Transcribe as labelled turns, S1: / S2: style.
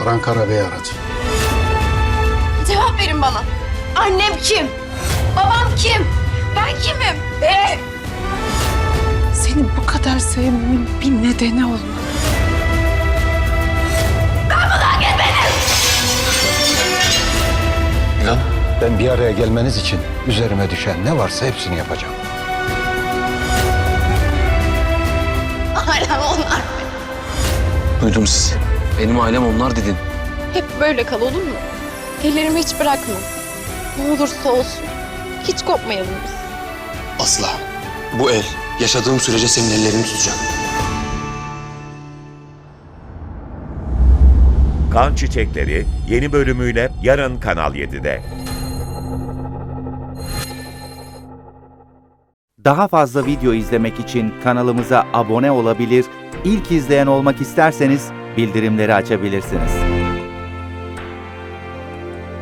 S1: Baran Karabey aradı.
S2: Cevap verin bana. Annem kim? Babam kim? Ben kimim?
S3: Seni bu kadar sevmemin bir nedeni olmalı.
S4: İlan,
S1: Ben bir araya gelmeniz için üzerime düşen ne varsa hepsini yapacağım.
S2: Hala onlar.
S4: duydum sizi. Benim ailem onlar dedin.
S2: Hep böyle kal, olur mu? Ellerimi hiç bırakma. Ne olursa olsun. Hiç kopmayalım biz.
S4: Asla. Bu el yaşadığım sürece senin ellerini tutacak.
S5: Kan Çiçekleri yeni bölümüyle yarın Kanal 7'de.
S6: Daha fazla video izlemek için kanalımıza abone olabilir, ilk izleyen olmak isterseniz bildirimleri açabilirsiniz.